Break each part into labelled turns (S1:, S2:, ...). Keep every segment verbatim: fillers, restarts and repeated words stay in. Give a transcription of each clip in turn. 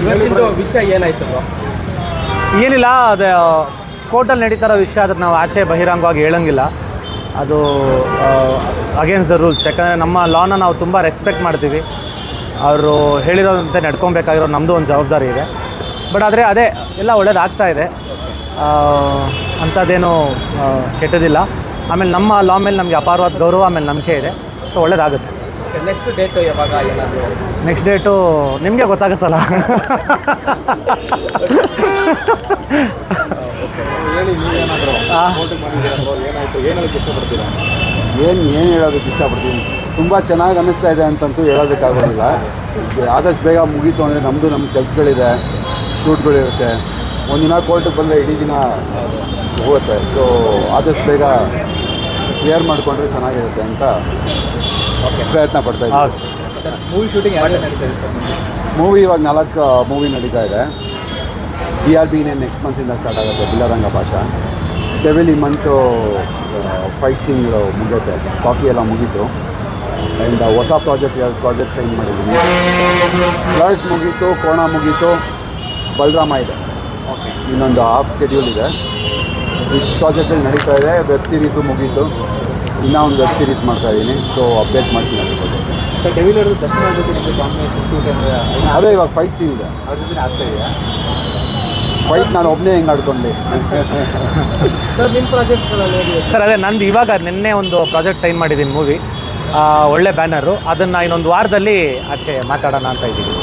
S1: ಇವತ್ತಿಂದು ವಿಷಯ ಏನಾಯ್ತು?
S2: ಏನಿಲ್ಲ, ಅದೇ ಕೋರ್ಟಲ್ಲಿ ನಡೀತಾರೋ ವಿಷಯ ಅದಕ್ಕೆ ನಾವು ಆಚೆ ಬಹಿರಂಗವಾಗಿ ಹೇಳೋಂಗಿಲ್ಲ. ಅದು ಅಗೇನ್ಸ್ಟ್ ದ ರೂಲ್ಸ್. ಯಾಕಂದರೆ ನಮ್ಮ ಲಾನ ನಾವು ತುಂಬ ರೆಸ್ಪೆಕ್ಟ್ ಮಾಡ್ತೀವಿ. ಅವರು ಹೇಳಿರೋದಂತೆ ನಡ್ಕೊಬೇಕಾಗಿರೋ ನಮ್ಮದು ಒಂದು ಜವಾಬ್ದಾರಿ ಇದೆ. ಬಟ್ ಆದರೆ ಅದೇ ಎಲ್ಲ ಒಳ್ಳೇದಾಗ್ತಾ ಇದೆ, ಅಂಥದ್ದೇನು ಕೆಟ್ಟದಿಲ್ಲ. ಆಮೇಲೆ ನಮ್ಮ ಲಾ ಮೇಲೆ ನಮಗೆ ಅಪಾರವಾದ ಗೌರವ, ಆಮೇಲೆ ನಂಬಿಕೆ ಇದೆ. ಸೊ ಒಳ್ಳೇದಾಗುತ್ತೆ.
S1: ನೆಕ್ಸ್ಟ್ ಡೇಟು ಯಾವಾಗ? ಏನಾದರೂ
S2: ನೆಕ್ಸ್ಟ್ ಡೇಟು ನಿಮಗೆ ಗೊತ್ತಾಗುತ್ತಲ್ಲ.
S3: ಹೇಳಿ, ನೀವೇನಾದರೂ ಏನಾಯಿತು, ಏನು ಹೇಳೋಕ್ಕೆ ಇಷ್ಟಪಡ್ತೀರಾ? ಏನು ಏನು ಹೇಳೋದಕ್ಕೆ ಇಷ್ಟಪಡ್ತೀನಿ, ತುಂಬ ಚೆನ್ನಾಗಿ ಅನ್ನಿಸ್ತಾ ಇದೆ ಅಂತಂತೂ ಹೇಳೋದಕ್ಕಾಗೋದಿಲ್ಲ. ಆದಷ್ಟು ಬೇಗ ಮುಗೀತು ಅಂದರೆ ನಮ್ಮದು ನಮ್ಮ ಕೆಲಸಗಳಿದೆ, ಶೂಟ್ಗಳಿರುತ್ತೆ. ಒಂದಿನ ಕೋರ್ಟಿಗೆ ಬಂದರೆ ಇಡೀ ದಿನ ಹೋಗುತ್ತೆ. ಸೊ ಆದಷ್ಟು ಬೇಗ ಕ್ಲಿಯರ್ ಮಾಡಿಕೊಂಡ್ರೆ ಚೆನ್ನಾಗಿರುತ್ತೆ ಅಂತ ಪ್ರಯತ್ನ ಪಡ್ತಾ ಇದ್ದೀವಿ.
S1: ಮೂವಿ ಶೂಟಿಂಗ್ ಯಾವಾಗ ನಡೀತಾ ಇದೆ ಸರ್?
S3: ಮೂವಿ ಇವಾಗ ನಾಲ್ಕು ಮೂವಿ ನಡೀತಾ ಇದೆ. ಡಿ ಆರ್ ಬಿನೇ ನೆಕ್ಸ್ಟ್ ಮಂತಿಂದ ಸ್ಟಾರ್ಟ್ ಆಗುತ್ತೆ, ಬಿಲ್ಲರಂಗ ಭಾಷಾ. ಡೆವಿಲ್ ಈ ಮಂತು ಫೈಟ್ ಸೀನ್ಗಳು ಮುಗಿಯುತ್ತೆ, ಕಾಫಿ ಎಲ್ಲ ಮುಗೀತು. ಆ್ಯಂಡ್ ಹೊಸ ಪ್ರಾಜೆಕ್ಟ್ ಎರಡು ಪ್ರಾಜೆಕ್ಟ್ ಸೈನ್ ಮಾಡಿದ್ದೀನಿ. ಫ್ಲರ್ಟ್ ಮುಗೀತು, ಕೋಣ ಮುಗೀತು, ಬಲರಾಮ ಇದೆ, ಇನ್ನೊಂದು ಹಾಫ್ ಸ್ಕೆಡ್ಯೂಲ್ ಇದೆ. ಇಷ್ಟು ಪ್ರಾಜೆಕ್ಟಲ್ಲಿ ನಡೀತಾ ಇದೆ. ವೆಬ್ ಸೀರೀಸು ಮುಗೀತು, ಇನ್ನೂ ಒಂದು ವೆಬ್ ಸೀರೀಸ್ ಮಾಡ್ತಾಯಿದ್ದೀನಿ. ಸೊ ಅಪ್ಡೇಟ್ ಮಾಡ್ತೀನಿ ಅದ್ರ ಬಗ್ಗೆ.
S1: ಸರ್, ಡೆವಿಲ್ ಅವ್ರದ್ದು ದರ್ಶನ ಜೊತೆ ನಿಮಗೆ ಕಾಂಬಿನೇಷನ್ ಶೂಟ್ ಅಂದರೆ
S3: ಅದೇ ಇವಾಗ ಫೈಟ್ ಸೀನ್ ಇದೆ,
S1: ಅವ್ರ ಜೊತೆ ಆಗ್ತಾ ಇದೆಯಾ?
S3: ಫೈಟ್ ನಾನು ಒಬ್ಬನೇ ಹೆಂಗೆ ಆಡ್ಕೊಂಡೆ.
S1: ಸರ್, ನಿಮ್ಮ ಪ್ರಾಜೆಕ್ಟ್ಸ್ಗಳಲ್ಲಿ
S2: ಸರ್ ಅದೇ ನಂದು ಇವಾಗ ನಿನ್ನೆ ಒಂದು ಪ್ರಾಜೆಕ್ಟ್ ಸೈನ್ ಮಾಡಿದ್ದೀನಿ, ಮೂವಿ, ಒಳ್ಳೆ ಬ್ಯಾನರು. ಅದನ್ನು ಇನ್ನೊಂದು ವಾರದಲ್ಲಿ ಆಚೆ ಮಾತಾಡೋಣ ಅಂತ ಇದ್ದೀನಿ.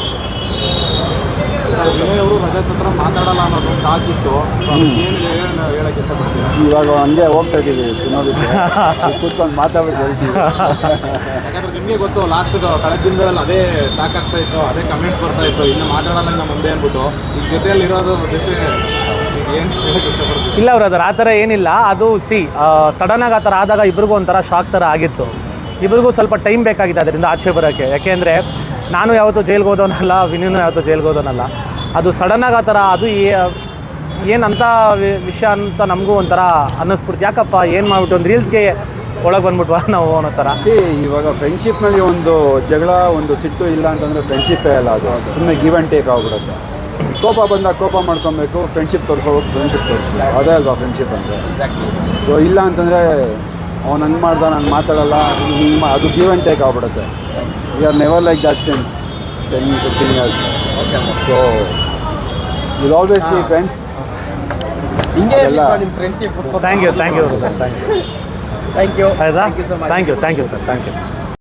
S3: ಅವರು ರಜತ್ ಹತ್ರ ಮಾತಾಡೋಲ್ಲ ಅನ್ನೋದು ಕಾಕಿತ್ತು. ಏನು ಹೇಳೋಕ್ಕೆ ಇಷ್ಟಪಡ್ತೀವಿ? ಇವಾಗ ಹಂಗೆ ಹೋಗ್ತಾ ಇದ್ದೀವಿ ತಿನ್ನೋದಕ್ಕೆ, ಕೂತ್ಕೊಂಡು ಮಾತಾಡ್ಬಿಟ್ಟು ಹೇಳ್ತೀವಿ. ಯಾಕಂದರೆ ನಿಮಗೆ ಗೊತ್ತು, ಲಾಸ್ಟ್ ಕಳೆದ ದಿನಗಳಲ್ಲಿ ಅದೇ ಟಾಕ್ ಆಗ್ತಾ ಇತ್ತು, ಅದೇ ಕಮೆಂಟ್ಸ್ ಬರ್ತಾ ಇತ್ತು, ಇನ್ನು ಮಾತಾಡೋಲ್ಲ ಇನ್ನು ಮುಂದೆ ಅಂದ್ಬಿಟ್ಟು. ಈಗ ಜೊತೆಯಲ್ಲಿ ಇರೋದು ಜೊತೆ ಏನು ಹೇಳೋಕ್ಕೆ ಇಷ್ಟಪಡ್ತೀವಿ?
S2: ಇಲ್ಲ ಅವ್ರು ಅದರ ಆ ಥರ ಏನಿಲ್ಲ. ಅದು ಸಿ ಸಡನ್ನಾಗಿ ಆ ಥರ ಆದಾಗ ಇಬ್ರಿಗೂ ಒಂಥರ ಶಾಕ್ ಥರ ಆಗಿತ್ತು. ಇಬ್ರಿಗೂ ಸ್ವಲ್ಪ ಟೈಮ್ ಬೇಕಾಗಿತ್ತು ಅದರಿಂದ ಆಚೆ ಬರೋಕ್ಕೆ. ಯಾಕೆಂದರೆ ನಾನು ಯಾವತ್ತೂ ಜೈಲ್ಗೆ ಹೋದವನಲ್ಲ, ವಿನೂನು ಯಾವತ್ತೂ ಜೈಲ್ಗೆ ಹೋದವನಲ್ಲ. ಅದು ಸಡನ್ನಾಗಿ ಆ ಥರ ಅದು ಏನಂತ ವಿಷಯ ಅಂತ ನಮಗೂ ಒಂಥರ ಅನ್ನಿಸ್ಬಿಡ್ತು. ಯಾಕಪ್ಪ ಏನು ಮಾಡಿಬಿಟ್ಟು ಒಂದು ರೀಲ್ಸ್ಗೆ ಒಳಗೆ ಬಂದ್ಬಿಟ್ವಾ ನಾವು ಅನ್ನೋ ಥರ.
S3: ಸಿ ಇವಾಗ ಫ್ರೆಂಡ್ಶಿಪ್ನಲ್ಲಿ ಒಂದು ಜಗಳ, ಒಂದು ಸಿಟ್ಟು ಇಲ್ಲ ಅಂತಂದರೆ ಫ್ರೆಂಡ್ಶಿಪ್ಪೇ ಅಲ್ಲ, ಅದು ಸುಮ್ಮನೆ ಗಿವ್ ಆ್ಯಂಡ್ ಟೇಕ್ ಆಗ್ಬಿಡುತ್ತೆ. ಕೋಪ ಬಂದಾಗ ಕೋಪ ಮಾಡ್ಕೊಬೇಕು, ಫ್ರೆಂಡ್ಶಿಪ್ ತೋರಿಸೋದು ಫ್ರೆಂಡ್ಶಿಪ್ ತೋರಿಸ್ಬೇಕು, ಅದೇ ಅಲ್ವಾ ಫ್ರೆಂಡ್ಶಿಪ್ ಅಂದರೆ. ಸೊ ಇಲ್ಲ ಅಂತಂದರೆ ಅವ್ನು ಹಂಗೆ ಮಾಡ್ದ, ನಾನು ಮಾತಾಡಲ್ಲ, ಹಿಂಗೆ ಅದು ಗಿವ್ ಆ್ಯಂಡ್ ಟೇಕ್ ಆಗ್ಬಿಡುತ್ತೆ. We are never like that since ten fifteen years. So will always be friends.
S1: ಹಿಂಗೆ ನಿಮ್ಮ friendship.
S2: Thank you thank you thank you
S1: thank you
S2: ಆಯ್ತಾ?
S1: Thank you so much.
S2: Thank you thank you sir, thank you.